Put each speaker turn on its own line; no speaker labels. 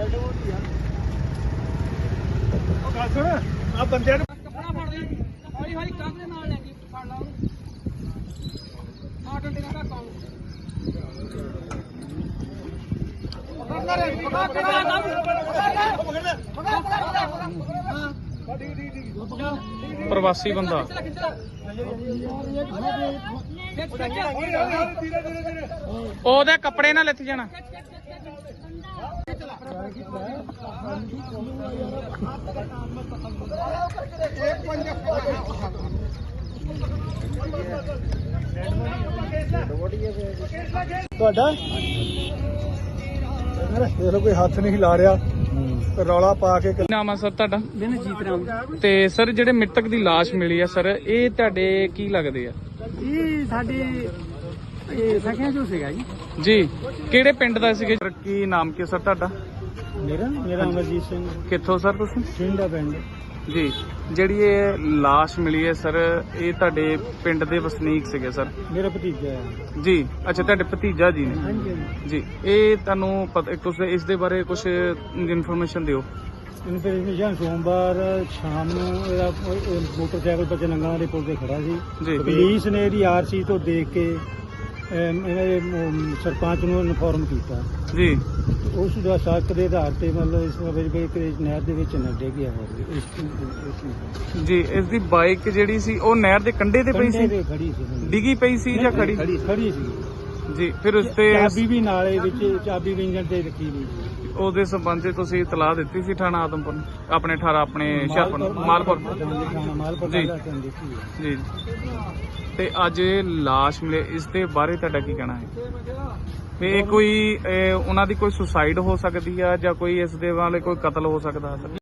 ਆ ਬੰਦਿਆਂ ਨੂੰ
ਕੱਪੜਾ ਫੜ ਦੇ ਹੌਲੀ ਹੌਲੀ ਕੰਧ ਦੇ ਨਾਲ ਲੈ ਕੇ ਫੜ ਲਾ ਉਹਨੂੰ ਆ ਡੰਡੇ ਦਾ ਕਾਉਂ
ਪ੍ਰਵਾਸੀ ਬੰਦਾ ਉਹਦੇ ਕੱਪੜੇ ਨਾਲ ਲਿੱਥ ਜਾਣਾ।
ਤੁਹਾਡਾ ਦੇਖ ਲਓ ਕੋਈ ਹੱਥ ਨਹੀਂ ਲਾ ਰਿਹਾ, ਰੌਲਾ ਪਾ ਕੇ।
ਕੀ ਨਾਮ ਆ ਸਰ ਤੁਹਾਡਾ?
ਜੀਤ ਰਾਮ
ਤੇ ਸਰ ਜਿਹੜੇ ਮ੍ਰਿਤਕ ਦੀ ਲਾਸ਼ ਮਿਲੀ ਆ ਸਰ, ਇਹ ਤੁਹਾਡੇ ਕੀ ਲੱਗਦੇ ਆ?
ਇਹ ਸਾਡੇ ਸਖਿਆਂ ਚੋਂ ਸੀਗਾ ਜੀ।
ਜੀ ਕਿਹੜੇ ਪਿੰਡ ਦਾ ਸੀਗੇ? ਕੀ ਨਾਮ ਕੀ ਸਰ ਤੁਹਾਡਾ?
ਮੇਰਾ ਅਮਰਜੀਤ ਸਿੰਘ,
ਕਿੱਥੋਂ ਸਰ ਤੁਸੀਂ?
ਦਾ ਪਿੰਡ।
ਜੀ ਜਿਹੜੀ ਇਹ ਲਾਸ਼ ਮਿਲੀ ਹੈ ਸਰ, ਇਹ ਤੁਹਾਡੇ ਪਿੰਡ ਦੇ ਵਸਨੀਕ ਸੀਗੇ ਸਰ?
ਮੇਰਾ ਭਤੀਜਾ ਹੈ
ਜੀ ਅੱਛਾ, ਤੁਹਾਡੇ ਭਤੀਜਾ ਜੀ ਨੇ।
ਹਾਂਜੀ।
ਜੀ ਇਹ ਤੁਹਾਨੂੰ ਪਤਾ ਕੁਛ ਇਸ ਦੇ ਬਾਰੇ ਕੁਝ ਇਨਫੋਰਮੇਸ਼ਨ ਦਿਓ।
ਇਨਫੋਰਮੇਸ਼ਨ ਸੋਮਵਾਰ ਸ਼ਾਮ ਨੂੰ ਇਹਦਾ ਮੋਟਰਸਾਈਕਲ ਬੱਚੇ ਨੰਗਲਾਂ ਦੇ ਪੁਲ ਤੇ ਖੜਾ ਸੀ।
ਜੀ
ਪੁਲਿਸ ਨੇ ਇਹਦੀ ਆਰਸੀ ਤੋਂ ਦੇਖ ਕੇ ਇਹਨਾਂ ਦੇ ਸਰਪੰਚ ਨੂੰ ਇਨਫੋਰਮ ਕੀਤਾ
ਜੀ।
ਉਸ ਦਾ ਸ਼ੱਕ ਦੇ ਆਧਾਰ ਤੇ ਮਤਲਬ ਇਸ ਵਿੱਚ ਨਹਿਰ ਦੇ ਵਿੱਚ ਨੱਡੇ ਗਿਆ ਹੋਇਆ
ਜੀ। ਇਸ ਦੀ ਬਾਈਕ ਜਿਹੜੀ ਸੀ ਉਹ ਨਹਿਰ ਦੇ ਕੰਢੇ ਤੇ ਪਈ ਸੀ?
ਖੜੀ ਸੀ।
ਡਿੱਗੀ ਪਈ ਸੀ ਜਾਂ ਖੜੀ?
ਖੜੀ ਸੀ
ਜੀ। ਫਿਰ ਉਸ ਤੇ
ਚਾਬੀ ਵੀ ਨਾਲੇ ਵਿੱਚ, ਚਾਬੀ ਵੀ ਇੰਜਣ ਤੇ ਰੱਖੀ ਹੋਈ ਸੀ।
ਉਹਦੇ ਸੰਬੰਧ ਚ ਤੁਸੀਂ ਇਤਲਾਹ ਦਿੱਤੀ ਸੀ ਥਾਣਾ ਆਦਮਪੁਰ ਨੂੰ? ਆਪਣੇ 18 ਆਪਣੇ ਹੁਸ਼ਿਆਰਪੁਰ ਮਾਲਪੁਰ ਜੀ ਜੀ। ਤੇ ਅੱਜ ਇਹ ਲਾਸ਼ ਮਿਲੇ, ਇਸ ਦੇ ਬਾਰੇ ਤੁਹਾਡਾ ਕੀ ਕਹਿਣਾ ਹੈ? ਵੀ ਇਹ ਕੋਈ ਉਹਨਾਂ ਦੀ ਕੋਈ ਸੁਸਾਈਡ ਹੋ ਸਕਦੀ ਆ ਜਾਂ ਕੋਈ ਇਸ ਦੇ ਵਾਲੇ ਕੋਈ ਕਤਲ ਹੋ ਸਕਦਾ?